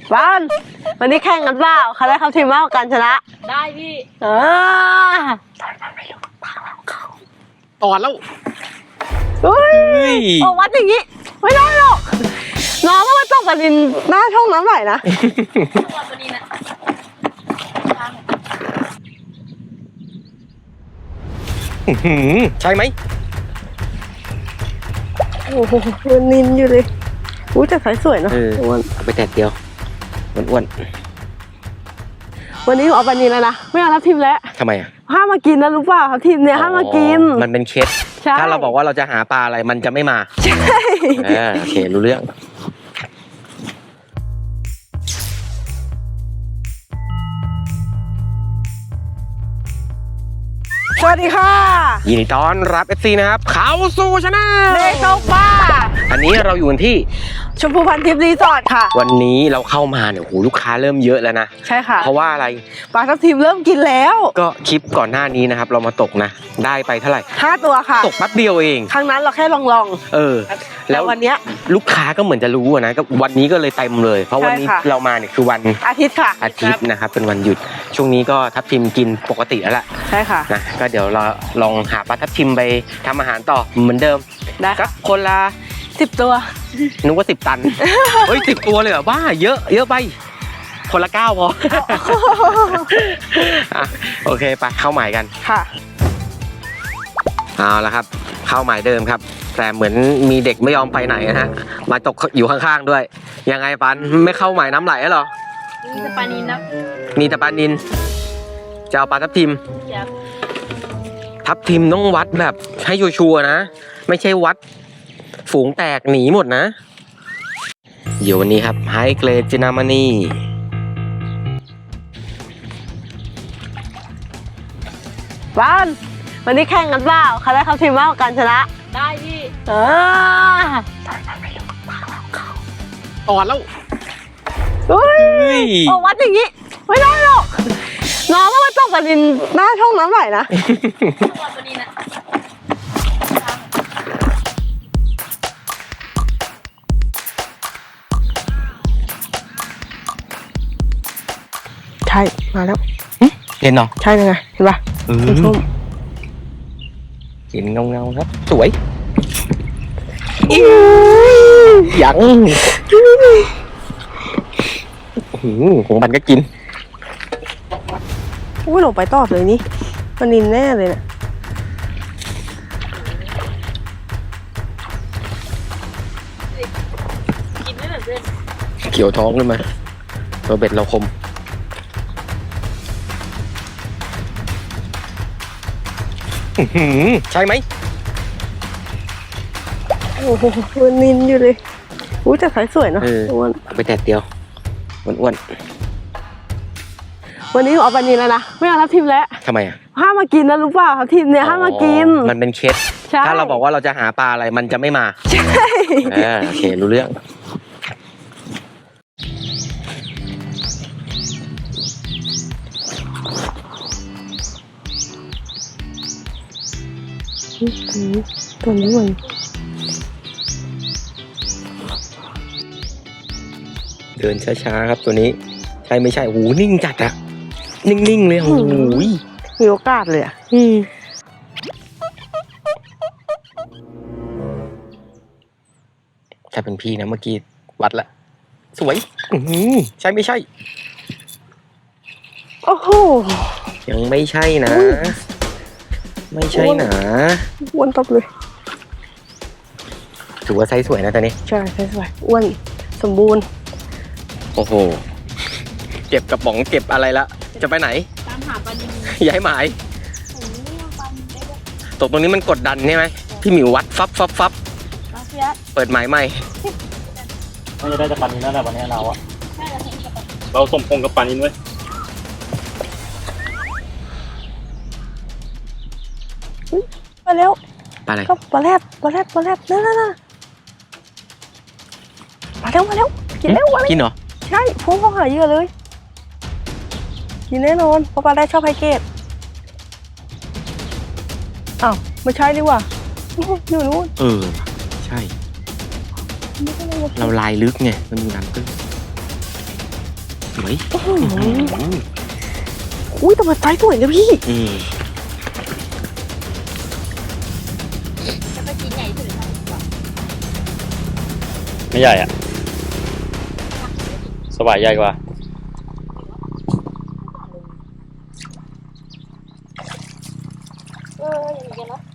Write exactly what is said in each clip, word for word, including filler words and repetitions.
บ้านวันนี้แข่งกันเปล่าใครได้เข้าทีมมากกว่ากันชนะได้พี่เออตอนแล้วเฮ้ยออกวัดอย่างนี้ไม่ได้หรอกน้องก็มาตกกันดินหน้าช่องน้ำไหลนะวันนี้นะใช่ไหมโอ้โหมันนินอยู่เลยอุ้ยแต่สายสวยเนาะอ้วนเอาไปแตกเดียวอ้วนวันนี้เอาปลานินแล้วนะไม่เอาทับทิมแล้วทำไมอ่ะห้ามมากินนะรู้เปล่าทับทิมเนี่ยห้ามมากินมันเป็นเคสถ้าเราบอกว่าเราจะหาปลาอะไรมันจะไม่มาใช่โอเครู้เรื่องสวัสดีค่ะยินดีต้อนรับ เอฟ ซี นะครับเขาสู่ชาแนลเด็กตกปลาอันนี้เราอยู่ที่ชมพูพันทิพย์รีสอร์ทค่ะวันนี้เราเข้ามาเนี่ยโหลูกค้าเริ่มเยอะแล้วนะใช่ค่ะเพราะว่าอะไรปลาทับทิมเริ่มกินแล้วก็คลิปก่อนหน้านี้นะครับเรามาตกนะได้ไปเท่าไหร่ห้าตัวค่ะตกแป๊บเดียวเองครั้งนั้นเราแค่ลองๆเออแล้ววันนี้ลูกค้าก็เหมือนจะรู้นะก็วันนี้ก็เลยเต็มเลยเพราะวันนี้เรามาเนี่ยคือวันอาทิตย์ค่ะอาทิตย์นะครับเป็นวันหยุดช่วงนี้ก็ทับทิมกินปกติแล้วแหละใช่ค่ะนะก็เดี๋ยวเราลองหาปลาทับทิมไปทำอาหารต่อเหมือนเดิมได้ก็คนละสิบตัวนึกว่าสิบตันเฮ้ยสิบตัวเลยเหรอบ้าเยอะเยอะไปคนละเก้าพอโอเคไปเข้าหมายกันค่ะเอาละครับเข้าหมายเดิมครับแต่เหมือนมีเด็กไม่ยอมไปไหนนะฮะมาตกอยู่ข้างๆด้วยยังไงปันไม่เข้าหมายน้ำไหลหรอมีแต่ปลานินนะมีแต่ปลานินจะเอาปลาทับทิมทับทิมต้องวัดแบบให้ชัวร์ๆนะไม่ใช่วัดฝูงแตกหนีหมดนะอยู่วันนี้ครับไฮเกรดจินามานีบ้านวันนี้แข่งกันเปล่าใครได้เข้าทีมมากกว่ากันชนะได้พี่เออตอนแล้วเฮ้ยออกวัดอย่างนี้ไม่ได้หรอกน้องก็มาตกกันดินหน้าช่องน้ำไหลนะวันนี้นะใช่มาแล้วเห็นเนาะใช่เลยไงเห็นป่ะเออเห็นเงาเงาครับสวยยังของมันก็กินอุ้ยหลงไปตอดเลยนี่มันนินแน่เลยเนี่ยกินไม่เหมือนเพื่อนเขียวท้องเลยไหมตัวเบ็ดเราคมใช่ไหมโอ้โหมันนินอยู่เลยอุ้ยแต่สายสวยเนาะอ้วนไปแตกเดียวอ้วนวันนี้เอาปลานินแล้วนะไม่เอาทับทิมแล้วทำไมอ่ะห้ามมากินนะรู้เปล่าทับทิมเนี่ยห้ามมากินมันเป็นเคสถ้าเราบอกว่าเราจะหาปลาอะไรมันจะไม่มาใช่โอเครู้เรื่องตัวนี้มันเดินช้าๆครับตัวนี้ใช่ไม่ใช่โอ้โหนิ่งจัดอะนิ่งๆเลยโอ้โหมีโอกาสเลยอะถ้าเป็นพี่นะเมื่อกี้วัดละสวยใช่ไม่ใช่โอ้โหยังไม่ใช่นะไม่ใช่นะอ้วนตบเลยถือว่าไซส์สวยนะตอนนี้ใช่ไซส์สวยอ้วนสมบูรณ์โอ้โหเก็บกระป๋องเก็บอะไรละจะไปไหนตามหาปลานิลย้ายหมายตกตรงนี้มันกดดันใช่ไหมพี่หมิววัดฟับฟับฟับเปิดหมายใหม่น่าจะได้แต่ปลานิลนั่นแหละวันนี้เราอะเราสมพงกับปลานิลไว้มาแล้วปลาอะไรก็ปลาแรดปลาแรดปลาแรดนั่นนั่นมาแล้วมาแล้วกินแล้วกินเหรอใช่พุ่งเข้าหาเยอะเลยกินแน่นอนเพราะปลาแรดชอบไฮเกตอ้าวไม่ใช่ดีกว่าอยู่นู้นเออใช่เราลายลึกไงมันมีน้ำตื้นวยอุ้ยแต่มันไซส์สวยนะพี่อืมจะไปกินใหญ่สุดเลยครับไม่ใหญ่อ่ะสวายใหญ่กว่าเอออย่างเงี้ยเนาะ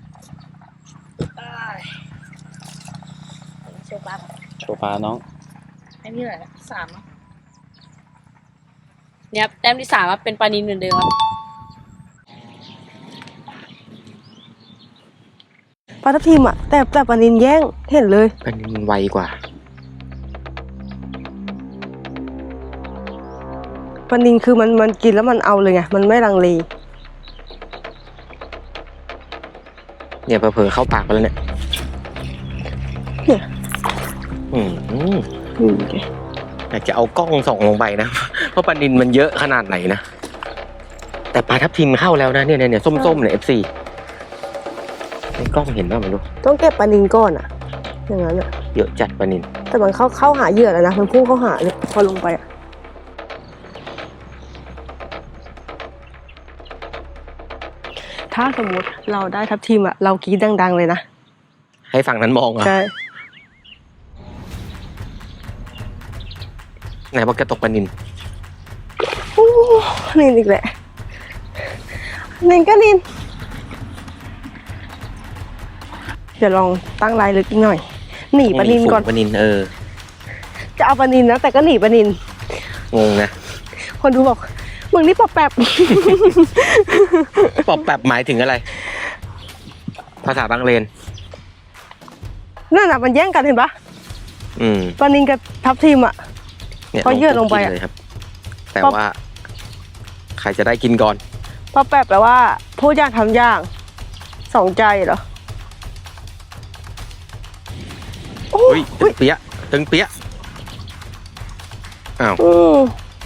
โชว์ปลาโชว์ปลาน้องไอ้นี่แหละสามเนี่ยแต้มที่สามเป็นปลานิลเหมือนเดิมครับปลาทับทิมอ่ะแต่แต่ปลานินแย่งเห็นเลยอันนี้มันไวกว่าปลานินคือมันมันกินแล้วมันเอาเลยไงมันไม่ลังเลเนี่ยเผลอๆเข้าปากไปแล้วเนี่ยเนี่ยอืมอืมอยากจะเอากล้องส่องลงไปนะ เพราะปลานินมันเยอะขนาดไหนนะ แต่ปลาทับทิมเข้าแล้วนะเนี่ยเนี่ยส้มๆเนี่ย เอฟ ซี ในกล้องเห็นป่ะไม่รู้ต้องเก็บปลานินก่อนอ่ะอย่างนั้นอ่ะเยอะจัดปลานินแต่มันเข้าเข้าหาเหยื่อแล้วนะมันพุ่งเข้าหาเลยพอลงไปอ่ะถ้าสมมติเราได้ทับทิมอ่ะเรากรี๊ดดังๆเลยนะให้ฝั่งนั้นมองเหรอ่ะใช่ไหนบอกจะตกปลานินโอ้นินอีกแหละนินก็นินเดี๋ยวลองตั้งลายลึกอีกหน่อยหนีปลานินก่อนปลานินเออจะเอาปลานินนะแต่ก็หนีปลานินงงนะคนดูบอกมึงนี่ปอบแปบปอบแบบหมายถึงอะไร ภาษาบางเลนนั่นน่ะมันแย่งกันเห็นปะอืมปลานินกับทับทิมอ่ะเนี่ยพอเยื่อลงไปอะเลยครับ แต่ว่า ใครจะได้กินก่อนปอบแปบแปลว่าพูดอย่างทำอย่างสองใจเหรอโอ้เฮ้ยตึงเปี้ยะตึงเปี้ยะอ้าวอืม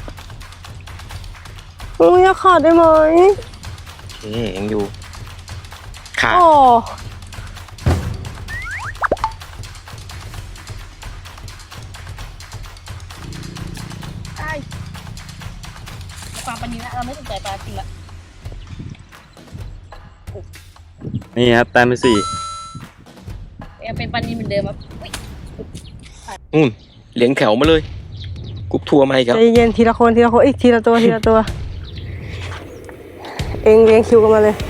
อืมอยากขาดได้ไหมเอ๊ะยังอยู่ขาดโอ้ได้ปลาปลานิลละเราไม่สนใจปลาจริงละนี่ครับแต้มที่สี่ยังเป็นปลานิลเหมือนเดิมครับอุ๊ยอืมเหลียงแถวมาเลยกรุ๊ปทัวร์มาอีกครับใจเย็นทีละคนทีละคนอีกทีละตัวทีละตัว เองเรียงคิวกันมาเลย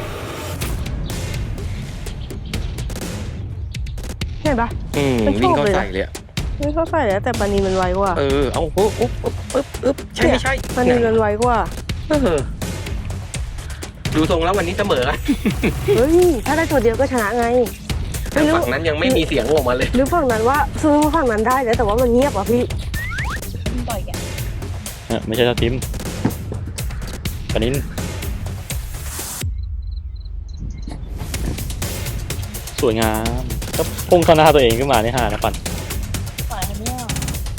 เห็นปะอืมไม่ชอบวิ่งเข้าเลยนะใส่เลยอะไม่เข้าใส่แล้วแต่ปลานินมันไวกว่าเออเอาโอ้โอ้โอ้ปึ๊บปึ๊บใช่ไม่ใช่ปลานินมันไวกว่าเออดูทรงแล้ววันนี้เสมอกันเฮ้ยถ้าได้ตัวเดียวก็ชนะไงแต่ฝั่งนั้นยังไม่มีเสียงออกมาเลยหรือฝั่งนั้นว่าซื้อฝั่งนั้นได้แล้วแต่ว่ามันเงียบอ่ะพี่มันต่อยแกเออไม่ใช่ทับทิมปลานินสวยงามก็พุ่งเข้าหน้าตัวเองขึ้นมานี่ฮะนะปันต่อยให้ไม่ออก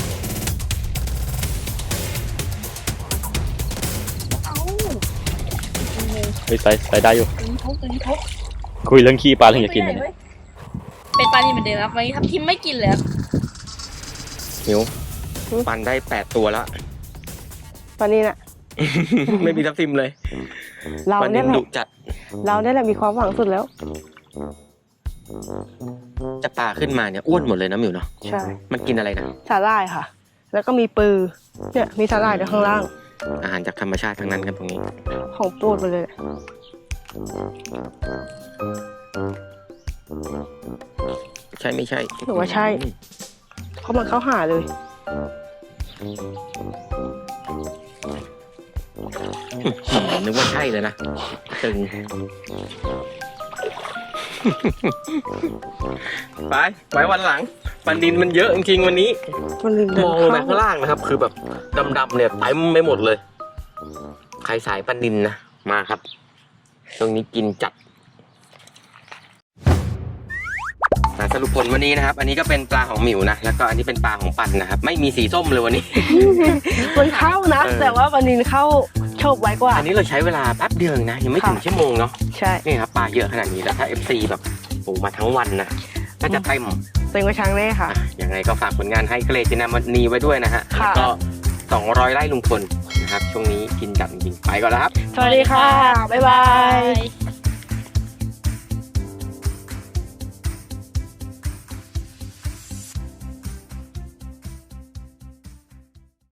เอ้าจริงเลยเฮ้ยใส่ใส่ได้อยู่ตึงทบตึงทบคุยเรื่องขี้ปลาเรื่องอยากกินไม่นะใหญ่เนี่ยเว้ยเป็นปลานิลเหมือนเดิมครับวันนี้ทับทิมไม่กินเลยครับหิวปันได้แปดตัวแล้วปลานินอ่ะไม่มีทับทิมเลยเราปันเนี่นิยนแหดุละจัดเราเนี่ยแหละมีความหวังสุดแล้วจะปลาขึ้นมาเนี่ยอ้วนหมดเลยนะมิวเนาะใช่มันกินอะไรนะสาหร่ายค่ะ แล้วก็มีปือเนี่ยมีสาหร่ายด้วยข้างล่างอาหารจากธรรมชาติทั้งนั้นครับตรงนี้ของโปรดไปเลยใช่ไม่ใช่หรือว่าใช่ เพราะมันเข้าหาเลยนึกว่าใช่เลยนะตึง ไปไว้วันหลังปันดินมันเยอะจริงๆวันนี้มันลินเดิมนองลงไปเข้าข้างล่างนะครับ คือแบบดำๆเนี่ยเต็มไปหมดเลย ใครสายปันดินนะมาครับตรงนี้กินจัดอ่ะสรุปผลวันนี้นะครับ อันนี้ก็เป็นปลาของหมิวนะแล้วก็อันนี้เป็นปลาของปันนะครับ ไม่มีสีส้มเลยวันนี้มันเข้านะเออแต่ว่าปลานินเข้าโชคไว้กว่าอันนี้เราใช้เวลาแป๊บเดียวเองนะ ยังไม่ถึงค่ะชั่วโมงเนาะใช่นี่ครับปลาเยอะขนาดนี้แล้วถ้า เอฟ ซี แบบโอ้มาทั้งวันนะน่าจะเต็มเต็งกระชังแน่ค่ะอ่ะยังไงก็ฝากผลงานให้เคลจินามันนีไว้ด้วยนะฮะค่ะแล้วก็สองร้อยไร่ลุงพลนะครับ ช่วงนี้กินจัดจริงๆไปก่อนแล้วครับสวัสดีค่ะ บ๊ายบายย